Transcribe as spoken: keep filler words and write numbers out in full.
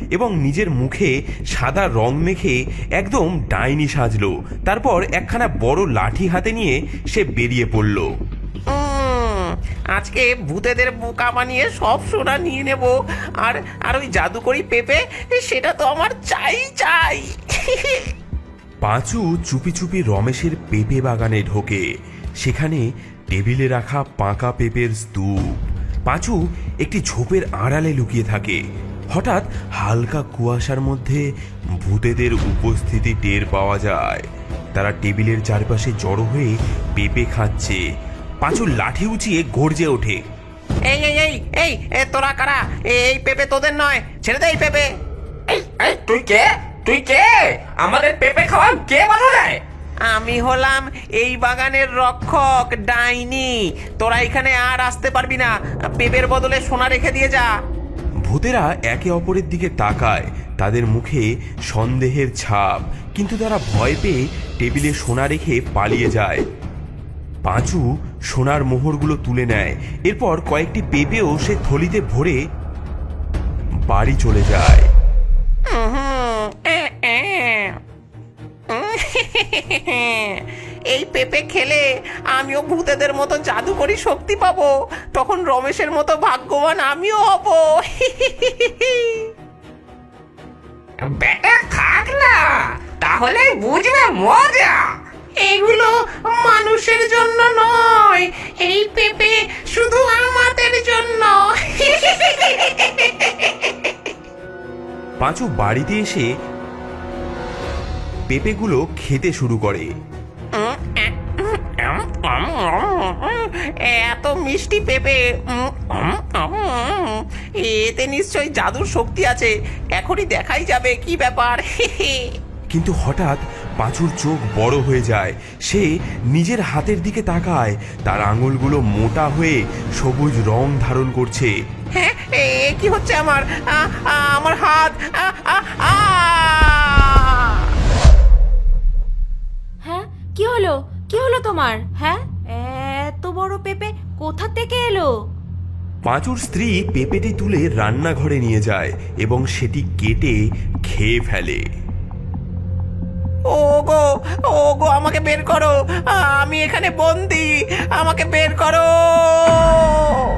এবং নিজের মুখে সাদা রং মেখে একদম ডাইনি সাজলো। তারপর একখানা বড় লাঠি হাতে নিয়ে সে বেরিয়ে পড়ল। আজকে ভূতেদের বোকা বানিয়ে সব সোনা নিয়ে নেব, আর আর ওই জাদুকরি পেঁপে সেটা তো আমার চাই চাই। পাঁচু চুপি চুপি রমেশের পেঁপে বাগানে ঢোকে। সেখানে টেবিলে রাখা পাকা পেঁপের স্তূপ। পাঁচু একটি ঝোপের আড়ালে লুকিয়ে থাকে। হঠাৎ হালকা কুয়াশার মধ্যে ভূতেদের উপস্থিতি টের পাওয়া যায়। তারা টেবিলের চারপাশে জড়ো হয়ে পেঁপে খাচ্ছে। পাঁচু লাঠি উঁচিয়ে গর্জে ওঠে, এই এই এই এই এ তোরা কারা? এই পেঁপে তোদের নয়, ছেড়ে দে এই পেঁপে। এই এই তুই কে? তুই কে? আমাদের পেঁপে খাওয়া কে বাধা দেয়? আমি হলাম এই বাগানের রক্ষক, ডাইনি। তোরা এখানে আর আসতে পারবি না। পেঁপের বদলে সোনা রেখে দিয়ে যা। ভূতেরা একে অপরের দিকে তাকায়। তাদের মুখে সন্দেহের ছাপ, কিন্তু তারা ভয় পেয়ে টেবিলে সোনা রেখে পালিয়ে যায়। পাঁচু সোনার মোহরগুলো তুলে নেয়। এরপর কয়েকটি পেঁপেও সে থলিতে ভরে বাড়ি চলে যায়। এই পেঁপে খেলে আমিও ভূতেদের মতো জাদুকরি শক্তি পাবো। তখন রমেশের মতো ভাগ্যবান আমিও হব। বেটা খাক না, তাহলে বুঝবে মজা। এগুলো মানুষের জন্য নয়, এই পেঁপে শুধু আমাদের জন্য। পাঁচু বাড়িতে এসে পেঁপেগুলো খেতে শুরু করে। এত মিষ্টি পেঁপে, এতে নিশ্চয়ই জাদুর শক্তি আছে। এখনই দেখাই যাবে কি ব্যাপার। কিন্তু হঠাৎ পাঁচুর চোখ বড় হয়ে যায়। সে নিজের হাতের দিকে তাকায়। তার আঙুলগুলো মোটা হয়ে সবুজ রং ধারণ করছে। হ্যাঁ, এ কি হচ্ছে আমার? আ, আ, আমার হাত। আ, আ, আ! হ্যাঁ, কি হলো? কি হলো তোমার? হ্যাঁ, এত বড় পেঁপে কোথা থেকে এলো? পাঁচুর স্ত্রী পেঁপেটি তুলে রান্নাঘরে নিয়ে যায় এবং সেটি কেটে খেয়ে ফেলে। ওগো, ওগো, আমাকে বের করো। আমি এখানে বন্দি, আমাকে বের করো।